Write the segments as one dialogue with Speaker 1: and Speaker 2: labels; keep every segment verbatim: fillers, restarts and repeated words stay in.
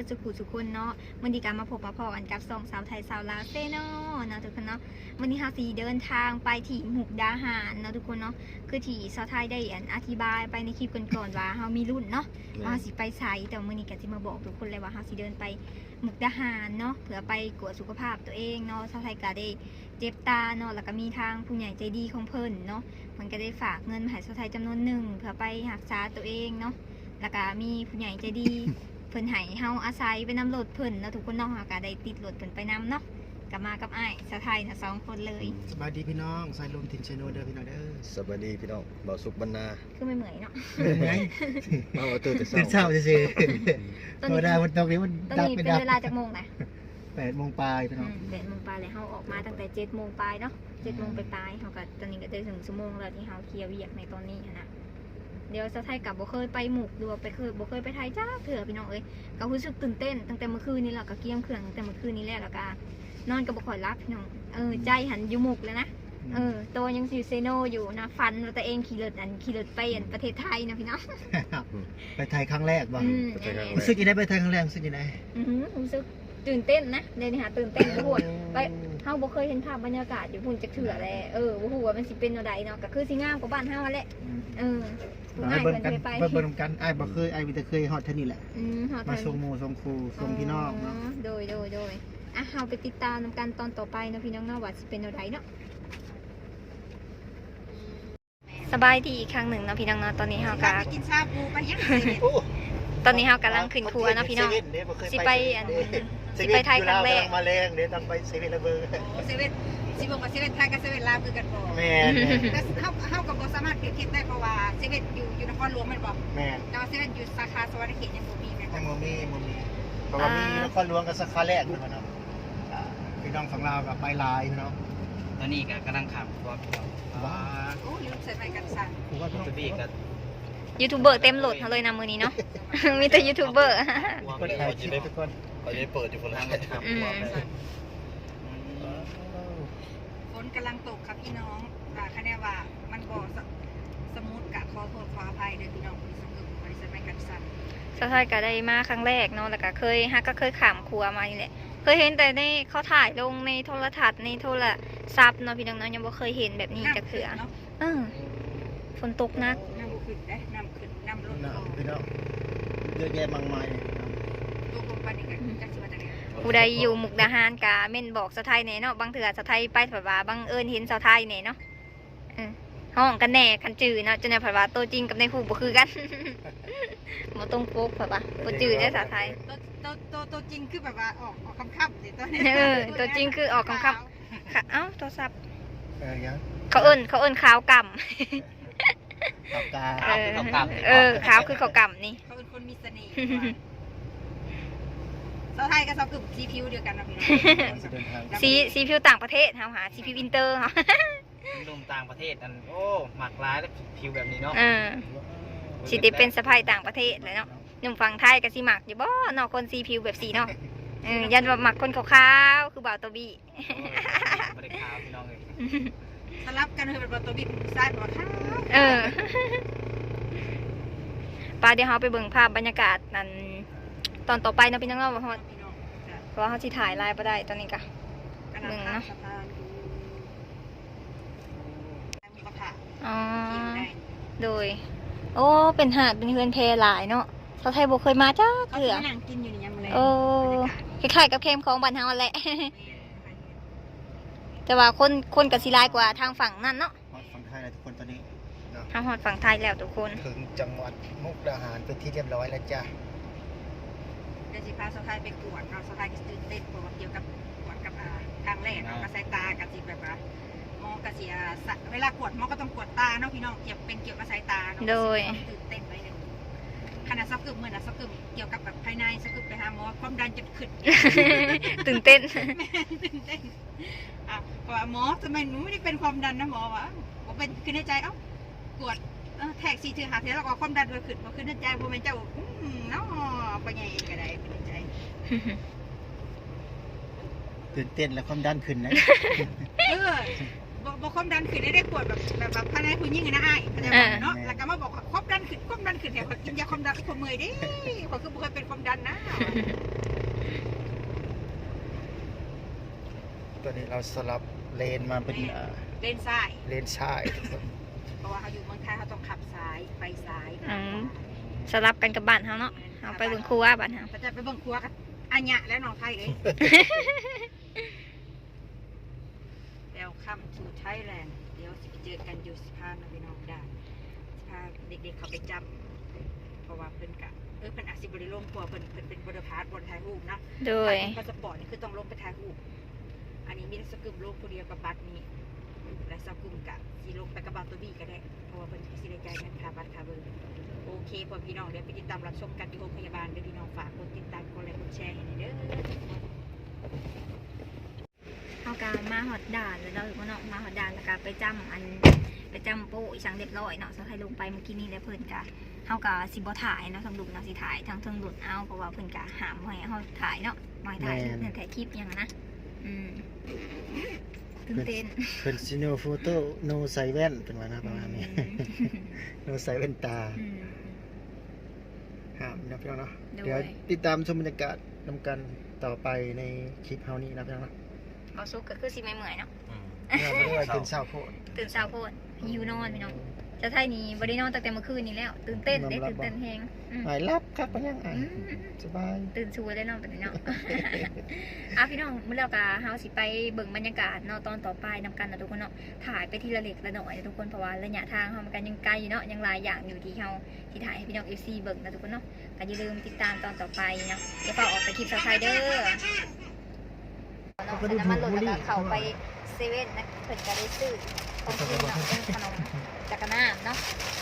Speaker 1: สุขุสุคนเนาะวันนี้การมาพบมาพอกันกับสองสาวไทยสาวลาวเซ่เนาะเนาะทุกคนเนาะวันนี้เฮาสิเดินทางไปที่มุกดาหารเนาะทุกคนเนาะคือที่สาวไทยได้อธิบายไปในคลิปก่อนๆว่าเฮามีรุ่นเนาะว่าเฮาสิไปไสแต่มื้อนี้ก็สิมาบอกทุกคนเลยว่าเฮาสิเดินไปมุกดาหารเนาะเพื่อไปกวดสุขภาพตัวเองเนาะสาวไทยก็ได้เจ็บตาเนาะแล้วก็มีทางผู้ใหญ่ใจดีของเพิ่นเนาะมันก็ได้ฝากเงินมาให้สาวไทยจำนวนหนึ่งเพื่อไปรักษาตัวเองเนาะแล้วก็มีผู้ใหญ่ใจดี เพิ่นให้เฮาอาศัยไปนำรถเพิ่นเนาะทุกคนเนาะก็ได้ติดรถเพิ่นไปนำเนาะก็มากับอ้ายสาวไทยนะสองคนเลย
Speaker 2: สบายดีพี่น้องสายลมถิ่นเชโนเด้อพี่น้องเด้อ
Speaker 3: สวัสดีพี่น้องบ่าวสุขบรรณา
Speaker 1: คือไม่เหมือนเนาะ
Speaker 2: เป็นไง
Speaker 3: มาเอาตื่นแต่เช้า
Speaker 2: ตื่นเช้าจะสิธรรมดาวันตรงนี้มัน
Speaker 1: ตอน
Speaker 2: ดับ
Speaker 1: นี้
Speaker 2: ไป
Speaker 1: เป็น
Speaker 2: ดับ
Speaker 1: เวลาจากโมงนะ
Speaker 2: แปดโมงปลายพี่น้อง
Speaker 1: แปดโมงปลายเลยเฮาออกมาตั้งแต่เจ็ดโมงปลายเนาะเจ็ดโมงไปปลายเฮาก็ตอนนี้ก็ได้ถึงชั่วโมงแล้วที่เฮาเคลียร์เวียกในตอนนี้นะเดี๋ยวสาวไทยกับบ่เคยไปหมุกดูไปเคยบ่เคยไปไทยจ้าเถื่อพี่น้องเอ้ยก็รู้สึกตื่นเต้นตั้งแต่เมื่อคืนนี้แหละก็เกี่ยมเครื่องตั้งแต่เมื่อคืนนี้แล้วแล้วก็นอนก็บ่ค่อยรับพี่น้องเออใจหันอยู่หมุกเลยนะเออตัวยังซิเซโนอยู่นะฟันว่าตัวเองขี่รถอันขี่รถไปอันประเทศไทยนะพี่น้อง
Speaker 2: ไปไทยครั้งแรกบ้าง
Speaker 1: อืม
Speaker 2: รู้สึกยังไงไปไทยครั้งแรกรู้สึกยังไง
Speaker 1: อือหือรู้สึกตื่นเต้นนะเดี๋ยวนี้หาตื่นเต้นทุกคนไปเฮาบ่เคยเห็นภาพบรรยากาศอยู่พุ่นจักเถื่อเลยเออบ่ฮู้ว่ามันสิเป็นแนวใดเนาะก็คือสิงามกว่าบ้านเฮาแหละเออผู้
Speaker 2: ไอ้
Speaker 1: ง่าย
Speaker 2: เบิ่ง
Speaker 1: เพิ่น
Speaker 2: กัน
Speaker 1: เคยไป
Speaker 2: เบิ่งเบิ่งกันไอ้บ่เคยไอ้วิแต่เคยฮอดเท่านี้แหละ
Speaker 1: อืมเฮา
Speaker 2: มา
Speaker 1: เทิ
Speaker 2: ส่งหมู่ส่งครูส่งพี่น้องเนาะ
Speaker 1: โดยโดยโดยอ่ะเฮาไปติดตามนำกันตอนต่อไปเนาะพี่น้องเนาะว่าสิเป็นแนวใดเนาะสบายดีอีกครั้งหนึ่งเนาะพี่น้องเนาะตอนนี้เฮาก็
Speaker 4: ไปกินชาบูไปยัง
Speaker 2: โอ้
Speaker 1: ตอนนี้เฮากำลังขึ้นครัวเนาะพี่น้องสิไปอันสิไปไทยครั้งแรก
Speaker 2: มาแรงเดี๋ยวต้องไปเซเว่นระเบิด
Speaker 4: เซเว่นสิบอกว่าเซเว่นไทยกับเซเว่นลาวคือกันบ่
Speaker 2: แม่น
Speaker 4: แต่เฮาเฮากับบ่สามารถเปรียบเทียบได้เพราะว่าเซเว่นอยู่อยู่นครหลวงแม่นบ่
Speaker 2: แม่น
Speaker 4: แต่ว่าเซเว่นอยู่สาขาสวรรณเขตยังบ่มีแม่น
Speaker 2: แต
Speaker 4: บ่
Speaker 2: งโมมีโมมีเพราะว่ามีนครหลวงกับสาขาแรกนะครับเนาะอ่าพี่น้องฝั่งลาวกับไปลายพี่น้อง
Speaker 5: ตอนนี้ก็กำลังขับรถอยู่
Speaker 2: ว้า
Speaker 4: โอ้ลืมใส่ไม้กันสั่น
Speaker 2: ครูว่าพี่น้อง
Speaker 5: ตัวนี้ก็
Speaker 1: ยูทูบเบอร์เต็มโหลดเฮาเลยนะมื้อนี้เนาะ มีแต่ยูทูบเบอร์
Speaker 2: คนถ่ายคลิปทุกคน
Speaker 3: เขาจะได้เปิดอยู่คนละ
Speaker 5: กำลังขับ
Speaker 1: อืม
Speaker 5: รถไป
Speaker 4: ฝนกำลังตกครับพี่น้องอ่าคะแนนว่ามันบ่สสมูทกะขอโทษขออภัยเด้อพี่น้องที่สงบบ่ได้ใส่ไม้กันสั่น
Speaker 1: สาวไทยก็ได้มาครั้งแรกเนาะแล้วก็เคยฮักก็เคยขามครัวมานี่แหละเคยเห็นแต่ในเขาถ่ายลงในโทรทัศน์ในโทรศัพท์เนาะพี่น้องเนาะยังบ่เคยเห็นแบบนี้จักเทื่อ
Speaker 4: เนาะ
Speaker 1: เออฝนตกหนัก
Speaker 4: น้ำบ่ขึ้นเด้น้ำขึ้นน้ำลด
Speaker 2: นะ
Speaker 4: ลง
Speaker 2: พี่น้องเยอะแยะมากมาย
Speaker 4: ตกลงไปนี่ก็จักสิว่าจังได๋
Speaker 1: ผู้ใดอยู่มุกดาหารกะเม่นบอกสาวไทยแหน่เนาะบางเถื่อสาวไทยไปผัดว่าบังเอิญเห็นสาวไทยแหน่เนาะเออห้องกันแหน่คันจื่อเนาะจนในผัดว่าตัวจริงกับในหูบ่คือกัน บ่ต้องโป๊กผัดว่าบ่จื่อได้สาวไทย
Speaker 4: ตัวตัวตัวตัวจริงคือแบบว่าออกออกคำๆสิตัวนี้
Speaker 1: เออตัวจริงคือออกคำ ค่ะเอ้าโทรศัพท์
Speaker 2: เออยัง
Speaker 1: เขาเอิ้นเขาเอิ้นขาวกำ
Speaker 2: ปากกา
Speaker 1: เออเออขาวคือเขากำนี่
Speaker 4: เขาเป็นคนมีเสน่ห์สาวไทยกับสาวกึ่มสีผิวเดียวกันนะพี่น้อง
Speaker 2: จะเดินทาง
Speaker 1: สีสีผิวต่างประเทศเฮาหาสีผิวอินเตอร์เฮา
Speaker 5: ลมต่างประเทศอันโอ้หมักร้ายแล้วผิวแบบนี้เนาะ
Speaker 1: เออสิได้เป็นสะใภ้ต่างประเทศเลยเนาะหนุ่มฝั่งไทยก็สิมักอยู่บ่เนาะคนสีผิวแบบสีเนาะเออยันว่ามักคนขาวๆคือบ่าวตัวบี้
Speaker 5: ไม่ได้ขาวพี่น้องเลย
Speaker 4: สลับกันเลยเป็นตัวบิ๊กซ้ายบอกข้าว
Speaker 1: เออปาเดี๋ยวเราไปเบิ่งภาพบรรยากาศนั้นตอนต่อไปเนาะพี่น้องเนาะว่าเรา
Speaker 4: พี่น้อง
Speaker 1: เพราะว่าเขาสิถ่ายไลน์บ่ได้ตอนนี้ก็
Speaker 4: กำลังข้ามสะพานมีกระถาง
Speaker 1: อ๋อ
Speaker 4: กินได้
Speaker 1: โดย โอ้เป็นหาดเป็นเฮือนเพหลายเนาะชาวไทยบ่เคยมาจ้า
Speaker 4: เขา
Speaker 1: เถื่อ
Speaker 4: จะนั่งกินอยู่ในยามเลย
Speaker 1: โอ้คล้ายๆกับเข้มของบ้านเฮาแหละ แต่ว่าคนคนก็สิหลายกว่าทางฝั่งนั่นเนาะ
Speaker 2: ฮอดฝั่งไทยแล้วทุกคนตอนนี้เนาะ
Speaker 1: ทางฮอดฝั่งไทยแล้วทุกคน
Speaker 2: ถึงจังหวัดมุกดาหารเป็นที่เรียบร้อยแล้วจ้ะ
Speaker 4: เดี๋ยวสิพาสาวไทยไปกวดเราสาวไทยก็ตื่นเต้นเพราะว่าเกี่ยวกับกวดกับอ่าทางแรกเนาะกับสายตากับสิแบบว่าหมอกระเสียสะเวลากวดหมอก็ต้องกวดตาเนาะพี่น้องเกี่ยวเป็นเกี่ยวกับสายตาเนาะ
Speaker 1: โดย
Speaker 4: ตื่นเต้นไปเลยขนาดซักกึ่มเหมือนนะซักกึ่มเกี่ยวกับแบบภายในซักกึ่มไปหาหมอความดันจะขึ้น
Speaker 1: ตื่นเต้น
Speaker 4: แม่ตื่นเต้นอ่ะบอกว่าหมอทำไมหนูไม่ได้เป็นความดันนะหมอวะบอกเป็นคือในใจเอ้ากวดเออแทกซีถือหาเทแล้วก็ความดันเลยขึ้นพอขึ้นในใจพอเป็นเจ้าอืมเนาะไปไงก็ได้เป็นในใจ
Speaker 2: ตื่นเต้นและความดันขึ้นนะ
Speaker 4: เออบอกบอกความดันขึ้นได้ได้ปวดแบบแบบแบบภายในคุณยิ่งนะไอ้เข้าใจไหมเนาะแล้วก็มาบอกความดันขึ้นความดันขึ้นแถวกินยาความดันความเมื่อยดิเขาคือบุคคลเป็นความดันนะ
Speaker 2: ตัวนี้เราสลับเลนมาเป็นอ่า
Speaker 4: เลนซ้าย
Speaker 2: เลนซ้ายทุกคน
Speaker 4: เพราะว่าเขาอยู่เมืองไทยเขาต้องขับซ้ายไปซ้าย
Speaker 1: อืมสลับกันกับบ้านเฮาเนาะเอาไปเบิ่งครัวบ้านเฮา
Speaker 4: ก็จะไปเบิ่งครัวกันอัญญะและน้องไทยเองแล้วข้ามสู่ไทยแลนด์เดี๋ยวสิไปเจอกันอยู่สิพานะพี่น้องได้สิพาเด็กๆเขาไปจำเพราะว่าเพิ่นกะเออเพิ่นอาจสิบริลงครัวเพิ่นเพิ่นเป็นบริพาร์ทบนถ่ายรูปเนาะ
Speaker 1: โดย
Speaker 4: พาสปอร์ตนี่คือต้องลงไปถ่ายรูปอันนี้มีสกุลโลกผู้เดียวกับบัตรนี้และสกุลกะสิลงไปกับบัตรตัวบีก็ได้เพราะว่าเพิ่นสิได้จ่ายเงินค่าบัตรค่าเบอร์โอเคพ่อพี่น้องเดี๋ยวไปติดตามรับชมกันที่โรงพยาบาลเด้อพี่น้องฝากกดติดตามกดไลค์กดแชร์ให้หน่อยเด้อ
Speaker 1: เฮาก็มาฮอดด่านแล้วเราเนาะมาฮอดด่านแล้วก็ไปจำอันไปจำโป้อีสังเรียบร้อยเนาะสาวไทยลงไปเมื่อกี้นี้แล้วเพิ่นก็เฮาก็สิบ่ถ่ายเนาะทางดุเนาะสิถ่ายทางเทิงดุเอาเพราะว่าเพิ่นก็ห้ามบ่ให้เฮาถ่ายเนาะบ่ให้ถ่ายเพิ่นถ่ายคลิปหยังอะนะอืมตื่นเต้น
Speaker 2: เป็นซิโนโฟโต้โนใส่แว่นเป็นว่านะประมาณนี้ โนใส่แว่นตา
Speaker 1: อืม
Speaker 2: ห้ามนะพี่น้องเนาะ
Speaker 1: โดย
Speaker 2: เดี๋ยวติดตามชมบรรยากาศนำกันต่อไปในคลิปเฮานี้นะพี่น้องเนาะ
Speaker 1: บ่สุกก็คือสิไม่เมื่อยเนาะ
Speaker 3: อืม
Speaker 2: เนี่ยไม่ได้ว่ากินเช้าโพด
Speaker 1: ตื่นเช้าโพดหิวนอนพี่น้องเจะไทยนี่บ่ได้นอนตั้งแต่เมื่อคืนนี้แล้วตื่นเต้นได้ตื่นเต้นแฮงอืม
Speaker 2: หายรับครับมันยังไง
Speaker 1: อืม
Speaker 2: สบาย
Speaker 1: ตื่นชัวร์ได้เนอนเป็นเนาะ อ่ะพี่น้องเมื่อเรากะเฮาสิไปเบิ่งบรรยากาศเนาะตอนต่อไปนำกันนะทุกคนเนาะถ่ายไปทีละเล็กละหน่อยนะทุกคนเพราะว่าระยะทางเฮามันกันยังไกลอยู่เนาะยังหลายอย่างอยู่ที่เฮาที่ถ่ายให้พี่น้อง เอฟ ซี เบิ่งนะทุกคนเนาะก็อย่าลืมติดตามตอนต่อไปเนาะอย่าเฝ้าออกไปคลิปซับไครเดอร์เนาะน้ำมันลดแล้วก็เข้าไปเซเว่นนะเพิ่นก็ได้ซื้อของกินเนาะเป็นขนมจักรน้ำเนาะ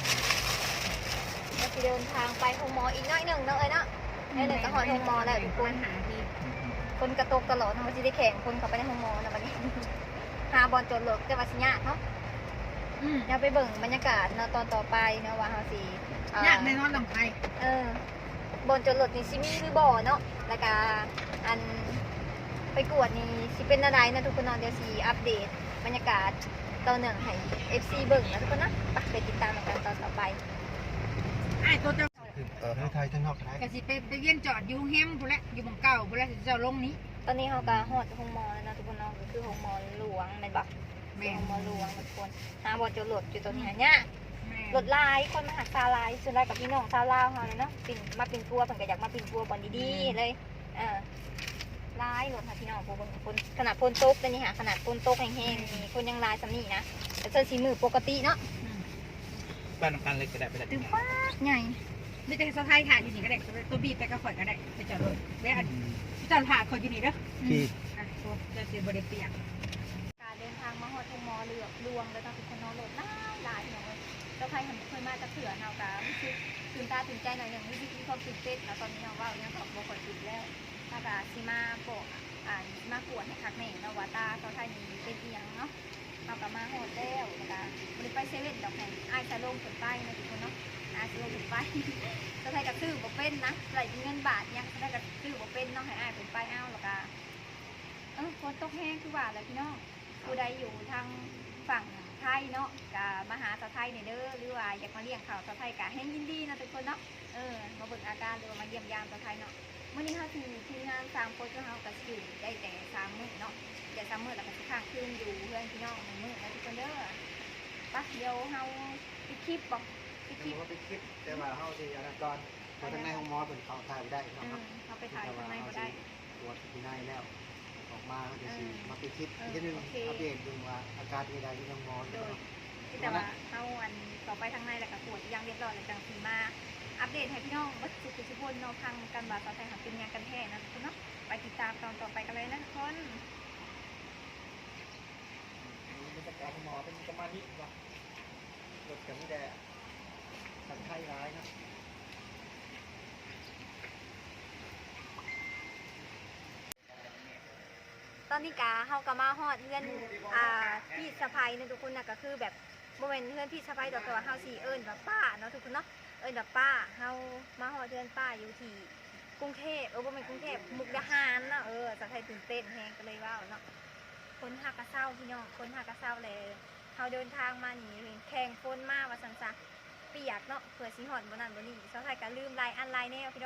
Speaker 1: แล้วสิเดินทางไปโฮมมออีกหน้อยหนึงเนาะเอ้ยเนาะได้เลยก็ฮอดโฮมมอแล้วทุกคน
Speaker 4: หาที่
Speaker 1: คนกระตกตลอดทำไมสิได้แข่งคนเขาไปในห้องมอนะวันนี้ หาบอลโจรหลกแต่ว่าสิยากเนาะ
Speaker 4: อืม
Speaker 1: เดี๋ยวไปเบิ่งบรรยากาศเนาะตอนต่อไปเนาะว่าเฮาสิเอ่อย
Speaker 4: ากแน่นอนน้องไทย
Speaker 1: เออบอลโจรหลกนี่สิมีหรือบ่เนาะแล้วก็อันไปกวดนี่สิเป็นอะไรนะทุกคนเนาะเดี๋ยวสิอัปเดตบรรยากาศตอนหนึ่งให้ เอฟ ซี เบิ่งนะทุกคนนะไปไปติดตามกันตอนต่อไป
Speaker 4: ไอ้ตัวเจ้า
Speaker 2: เออทั้งไทยทั้งนอกไทย
Speaker 4: ก็สิไปไปเรียนจอดอยู่แฮมพุ่นแหละอยู่หม่องเก่าพุ่นแหละสิเจ้าลงนี้
Speaker 1: ตอนนี้เฮาก็ฮอดห้องมอแล้วนะทุกคนเนาะก็คือห้องมอหลวงแม่นบ่
Speaker 4: แม่
Speaker 1: ห้
Speaker 4: น
Speaker 1: องมอหลวงทุกคนหาบอลโจรหลกอยู่ตรงนี้หายาก
Speaker 4: แม่
Speaker 1: รถลายคนมาหักซาลายส่วนลายกับพี่น้องซาลาวเขาเลยเนาะปิ่นมาปิ่นปัวเพิ่นก็อยากมาปิ่นปัวบอลดีๆเลยเออลายรถค่ะพี่น้องพวกเบิ่งคนขนาดพนตกแต่นี่ค่ะขนาดพนตกแห้งๆมีคนยังลายสำนี่นะแต่เสื้อสีมือปกติเนาะ
Speaker 5: บ้านนำกันเลยก็ได้ไปได้
Speaker 1: ตึงฟ้าใหญ่
Speaker 4: ไม่แต่สะพายถ่ายอยู่นี่ก็ได้ตัวบีบไปก็ข่อยก็ได้ไปจอดรถแม่อันจอดผ่าข่อยอยู่นี่เด้อ
Speaker 2: พี่
Speaker 4: อ่ะโอ้จะสิบ่ได้เปียก
Speaker 1: การเดินทางมาฮอดทุ่งมอเลือกลวงแล้วต้องทุกคนนอนรถลายลายพี่น้องเอ้ยเจ้าใครเห็นเคยมาจะเถื่อเฮากะรู้สึกตื่นตาตื่นใจหน่อยหนึ่งรู้สึกมีความตื่นเต้นแล้วตอนนี้เราว่ายังของบ่ค่อยตื่นแล้วถ้ากะสิมาโปะอ่ามากวดให้คักแม่เนาะว่าตาเจ้าไทยนี่เป็นอีหยังเนาะ เรากลับมาโฮเทลนะคะบริไปเซเว่นดอกแห่งไอ้จะลงถึงไปนะทุกคนเนาะอาจะลงถึงไป จะไทยกับซื้อบ่เป็นนะไหลเงินบาทยังจะได้กับซื้อบ่เป็นเนาะให้อ้ายถึงไปเอาหรอกอะเออฝนตกแห้งคือว่าแล้วพี่น้องผู้ใดอยู่ทางฝั่งไทยเนาะกับมาหาสาวไทยเนี่ยเด้อหรือว่าอยากมาเลี้ยงข่าวสาวไทยกะแห้งยินดีนะทุกคนเนาะเออมาเบิ่งอาการหรือว่ามาเยี่ยมยามสาวไทยเนาะวันนี้เขาทีทีมงานสามคนก็เขากับอยู่ได้แต่สามมื้อเนาะ เดี๋ยวซ้ำมือแล้วก็สิข้างคืนอยู่เพื่อนพี่น้องหนึ่งมือแล้วทุกคนเด้อปะเดี๋ยวเฮาไปคลิปบอกไปคลิป
Speaker 2: ว่าไปคิดแต่ว่าเฮาสิอันนั้นก่อนเพราะทั้งในห้องหมอเป็นเขาถ่ายบ่ได้
Speaker 1: อื
Speaker 2: เนาะ
Speaker 1: ม
Speaker 2: ครับ
Speaker 1: เขาไปถ่ายข้างในก็ได้
Speaker 2: ตรวจที่ในแล้วออกมาก็สิ
Speaker 1: อืม
Speaker 2: มาไปคิดอีกทีหนึง
Speaker 1: โอเค
Speaker 2: อัปเดตดูว่าอาการเป็นยังไงที่ห้องหมอ
Speaker 1: โดยที่แต่ว่าเฮาอันต่อไปทางในแล้วก็ตรวจอย่างเรียบร้อยแล้วจังสีมาอัปเดตให้พี่น้องวัดสุขสุขพลเนาะทางกันบาดต่อไปหาเป็นงานกันแท้นะทุกคนเนาะไปติดตามตอนต่อไปกันเลยนะทุกคน
Speaker 2: บรรยากาศห้องหมอเป็นประมาณนี้ว่ะรถกันไม่ได้สันไข้ร้ายนะ
Speaker 1: ตอนนี้กาเฮากะมาฮอดเพื่อนอ่าพี่สะพายนะทุกคนนะก็คือแบบโมเมนเพื่อนพี่สะพายดอกตัวาเฮาสีเอิญแบบป้าเนาะทุกคนเนาะเอิญแบบป้าเฮามาฮอดเพื่อนป้าอยู่ที่กรุงเทพเออบ่แม่นกรุงเทพมุกดาหารเนาะเออสะพายตื่นเต้นแฮงก็เลยว่าเนาะคนหากะเศร้าพี่น้องคนหากะเศร้าเลยเฮาเดินทางมานี่แข่งฝนมาว่าซั่นซะเปียกเนาะเผื่อสิฮอดบ่นั่นบ่นี่สะพายก็ลืมลายอันลายแนวพี่น้อง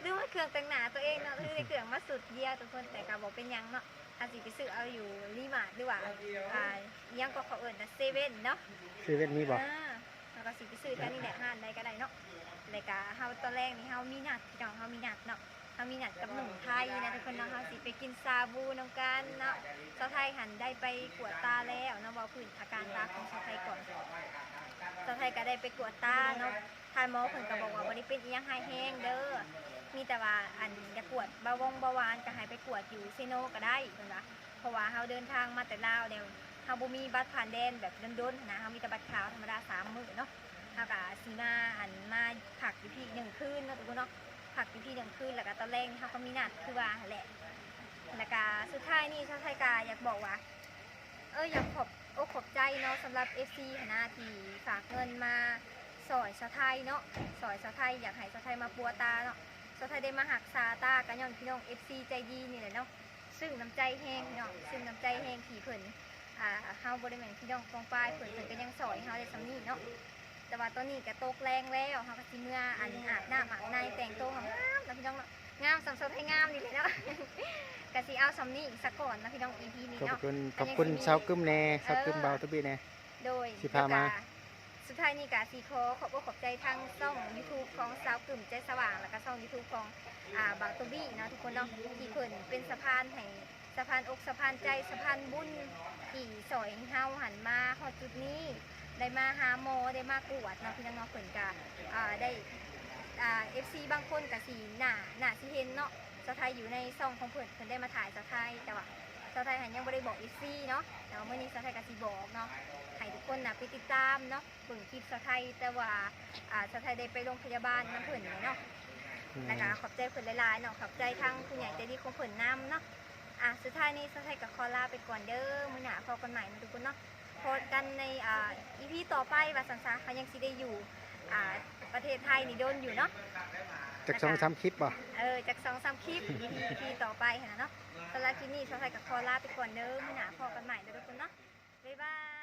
Speaker 1: ลืมว่าเครื่องแต่งหน้าตัวเองเนาะคือในเครื่องมาสุดเดียวทุกคนแต่ก็บอกเป็นหยังเนาะอาจสิไปซื้อเอาอยู่รีมาร์ทหรือว่าอ่าอิหยังก็เขาเอิ้นนะเซเว่นเนาะ
Speaker 2: ซื้อเว้นมีบ่
Speaker 1: อ่าแล้วก็สิไปซื้อกันนี่แหละห้านใดก็ได้เนาะแล้วก็เฮาตอนแรกนี่เฮามีนัดพี่น้องเฮามีนัดเนาะเฮามีนัดกับหนุ่มไทยนะทุกคนเนาะเฮาสิไปกินซาบูนํกันเนาะสาวไทยหันได้ไปกวดตาแล้วเนาะเว้าพื้นอาการตาของสาวไทยก่อนสาวไทยก็ได้ไปกวดตาเนาะทานหมอเพิ่นก็บอกว่าบ่ได้เป็นอีหยังหายแห้งเด้อมีแต่ว่าอันอยากกวดเบาหวงเบาหวานก็ให้ไปกวดอยู่เซโนก็ได้เพิ่นว่าเพราะว่าเฮาเดินทางมาแต่ลาวแล้วเฮาบ่มีบัตรผ่านแดนแบบโดนๆนะเฮามีแต่บัตรขาวธรรมดาสามมื้อเนาะเฮาก็สิมาอันมาพักอยู่ที่หนึ่งคืนเนาะทุกคนเนาะพักอยู่ที่หนึ่งคืนแล้วก็ตอนแรกนี่เฮาก็มีนัดคือว่าแหละแล้วก็สุดท้ายนี่ชาวไทยก็อยากบอกว่าเอออยากขอบอกขอบใจเนาะสำหรับ เอฟ ซี คณะที่ฝากเงินมาสอยชาวไทยเนาะสอยชาวไทยอยากให้ชาวไทยมาปัวตาเนาะชาวไทยได้มาหักษาตากันย้อนพี่น้อง เอฟ ซี ใจดีนี่แหละเนาะซึ่งน้ำใจแห้งเนาะซึ่งน้ำใจแห้งที่เพิ่นอ่าเฮาบ่ได้แม่นพี่น้องกองปลายเพิ่นเพิ่นก็ยังสอยเฮาได้สำนี้เนาะแต่ว่าตอนนี้ก็ตกแรงแล้วเฮาก็สิเมื่ออันอาบน้ำอาบในแต่งตัวงามๆนะพี่น้องเนาะงามสำสดให้งามนี่แหละเนาะ ก็สิเอาสำนี้อีกสักก่อนนะพี่น้อง อี พี นี้
Speaker 2: ขอบ
Speaker 1: เนาะ
Speaker 2: คุณขอบคุณชาวกึมแน่ชาวกึมเบาตุบีแน่
Speaker 1: โดย
Speaker 2: สิพามา
Speaker 1: แล้วก็สุดท้ายนี่กาซีโคขอบอกขอบใจทางช่อง YouTube ของสาวกลุ่มใจสว่างแล้วก็ช่อง YouTube ของอ่าบางตัวบี้เนาะทุกคนเนาะที่เพิ่นเป็นสะพานให้สะพานอกสะพานใจสะพานบุญที่สอยเฮาหันมาฮอดจุดนี้ได้มาหาหมอได้มากวดเนาะพี่น้องเนาะเพิ่นก็อ่าได้อ่า เอฟ ซี บางคนก็สิหน้าหน้าสิเห็นเนาะสาวไทยอยู่ในช่องของเพิ่นเพิ่นได้มาถ่ายสาวไทยแต่ว่าสาวไทยหันยังบ่ได้บอก เอฟ ซี เนาะแต่ว่ามื้อนี้สาวไทยก็สิบอกเนาะ ให้ทุกคนนะไปติดตามเนาะเบิ่งคลิปสาวไทยแต่ว่าอ่าสาวไทยได้ไปโรงพยาบาลน้ำเพิ่นนี่เนาะแล้วก็ขอบใจเพิ่นหลายๆเนาะขอบใจทางผู้ใหญ่ใจดีของเพิ่นนำเนาะอ่ะสุดท้ายนี้สาวไทยกับขอลาไปก่อนเด้อมื้อหน้าพบกันใหม่นะทุกคนเนาะพบกันในอ่า อี พี ต่อไปว่าสันซาเขายังสิได้อยู่อ่าประเทศไทยนี่โดนอยู่เนาะ
Speaker 2: จากสองสามคลิปบ่
Speaker 1: เออจากสองสามคลิป อี พี ต่อไปหั่นน่ะเนาะสำหรับคลิปนี้สาวไทยกับขอลาไปก่อนเด้อมื้อหน้าพบกันใหม่เด้อทุกคนเนาะบ๊ายบาย